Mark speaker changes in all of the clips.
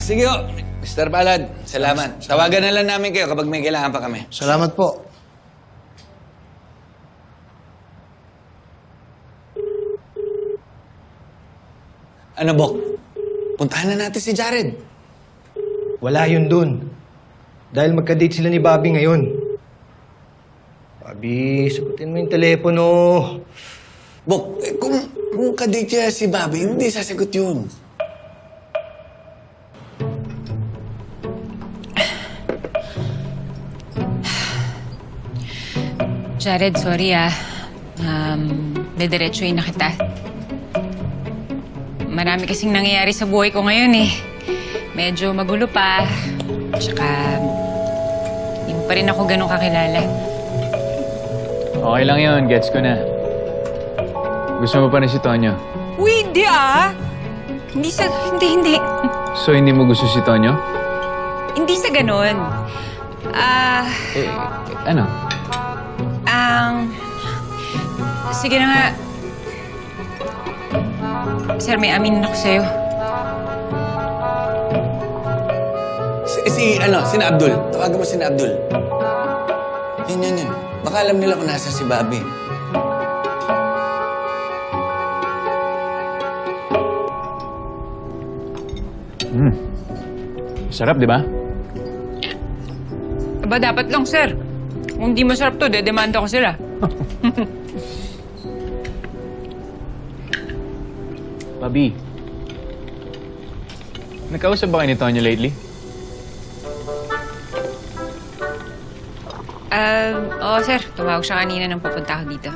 Speaker 1: Sige ho, Mr. Palad. Salamat. Tawagan na lang namin kayo kapag may kailangan pa kami.
Speaker 2: Salamat po.
Speaker 1: Ano, Bok? Puntahan na natin si Jared.
Speaker 2: Wala yun dun. Dahil magka-date sila ni Bobby ngayon. Bobby, sagutin mo yung telepono.
Speaker 1: Bok, kung kadate niya si Bobby, hindi sasagot yun.
Speaker 3: Jared, sorry dediretsuhin na kita. Marami kasing nangyayari sa buhay ko ngayon eh. Medyo magulo pa. Tsaka, hindi mo pa rin ako ganun kakilala.
Speaker 4: Okay lang yun, gets ko na. Gusto mo pa rin si Tonyo?
Speaker 3: Uy, hindi Hindi.
Speaker 4: So, hindi mo gusto si Tonyo?
Speaker 3: Hindi sa ganun.
Speaker 4: Ano?
Speaker 3: Sige na nga. Sir, may aminin ako sa'yo.
Speaker 1: Sina Abdul. Tawagan mo sina Abdul. Yun. Baka alam nila kung nasa si Bobby.
Speaker 4: Sarap, di ba?
Speaker 3: Aba, dapat lang, sir. Kung di masarap to, dedemanda ko sila.
Speaker 4: Bobby, nagkausap ba kayo ni Tonyo lately?
Speaker 3: Oo, sir. Tumawag siya kanina nang papunta ako dito.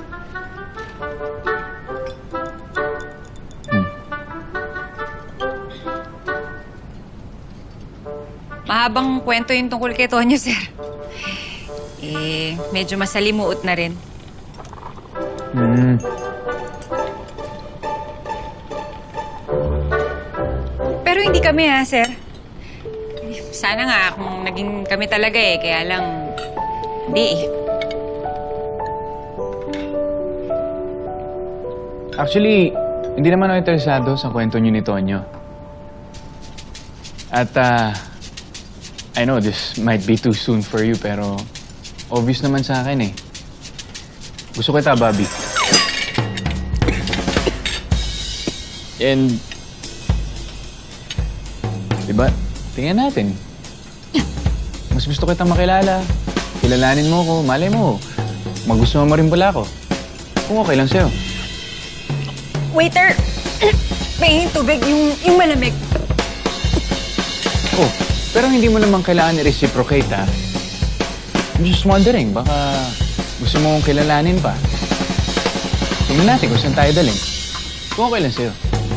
Speaker 3: Mahabang kwento yung tungkol kay Tonyo, sir. Medyo masalimuot na rin. Pero hindi kami, sir. Sana nga kung naging kami talaga kaya lang, hindi
Speaker 4: Actually, hindi naman ako interesado sa kwento niyo ni Tonyo. At, I know this might be too soon for you, pero obvious naman sa akin Gusto kita, Bobby. And, diba, tingnan natin. Mas gusto kitang makilala. Kilalanin mo ko, malay mo. Magustuhan mo rin pala ako. Kung okay lang sa'yo.
Speaker 3: Waiter! Pahingin tubig, yung malamig.
Speaker 4: Oh, pero hindi mo naman kailangan i-reciprocate, ha? I'm just wondering, baka gusto mo kong kilalanin pa. Tingnan natin kung saan tayo daling. Kung okay lang sa'yo.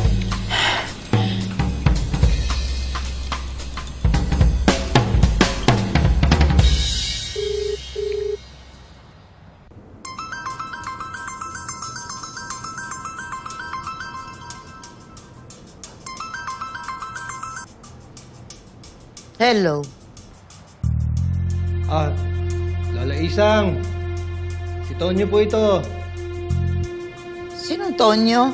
Speaker 5: Hello.
Speaker 2: Lola Isang. Si Tonyo po ito.
Speaker 5: Sinong Tonyo?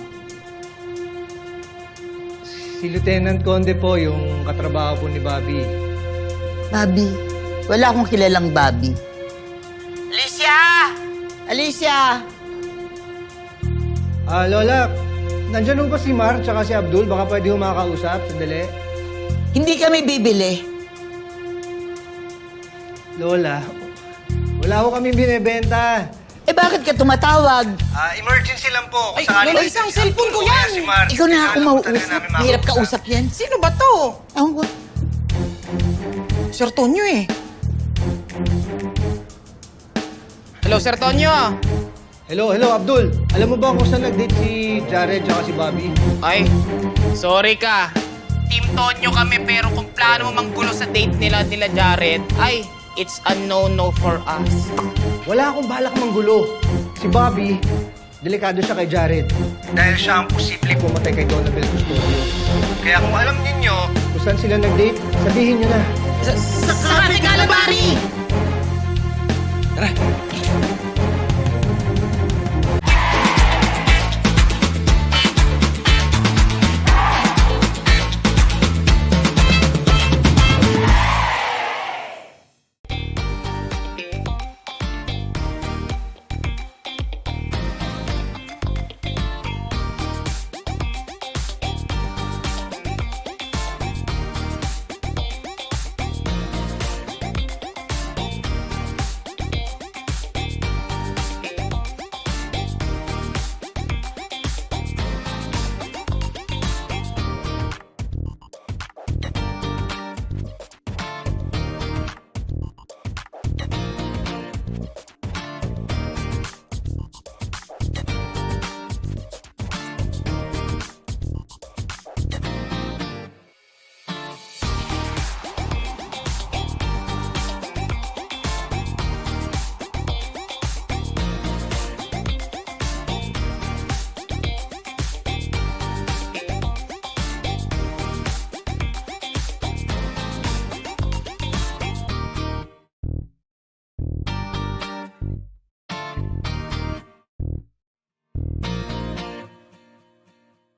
Speaker 2: Si Lieutenant Conde po, yung katrabaho po ni Bobby.
Speaker 5: Bobby. Wala akong kilalang Bobby. Alicia! Alicia!
Speaker 2: Lola, nandyan po si Mar tsaka si Abdul. Baka pwede humakausap. Sandali.
Speaker 5: Hindi kami bibili.
Speaker 2: Lola, wala ko kami binibenta.
Speaker 5: Eh bakit ka tumatawag?
Speaker 2: Emergency lang po.
Speaker 6: Ay, Lola, isang cellphone ko yan.
Speaker 2: Si Mar.
Speaker 5: Ikaw na ako mauusap. Mahirap kausap yan.
Speaker 6: Sino ba to?
Speaker 5: Ako.
Speaker 6: Sir Tonyo Hello, Sir Tonyo.
Speaker 2: Hello, Abdul. Alam mo ba kung saan nag-date si Jared tsaka si Bobby?
Speaker 6: Ay, sorry ka. Team Tonyo kami pero kung plano mo manggulo sa date nila Jared, ay, it's a no-no for us.
Speaker 2: Wala akong balak manggulo. Si Bobby, delikado siya kay Jared. Dahil siya ang posibleng pumatay kay Donabel Custodio. Kaya kung alam ninyo kung saan sila nag-date, sabihin nyo na.
Speaker 6: Sa Kalabari!
Speaker 1: Tara!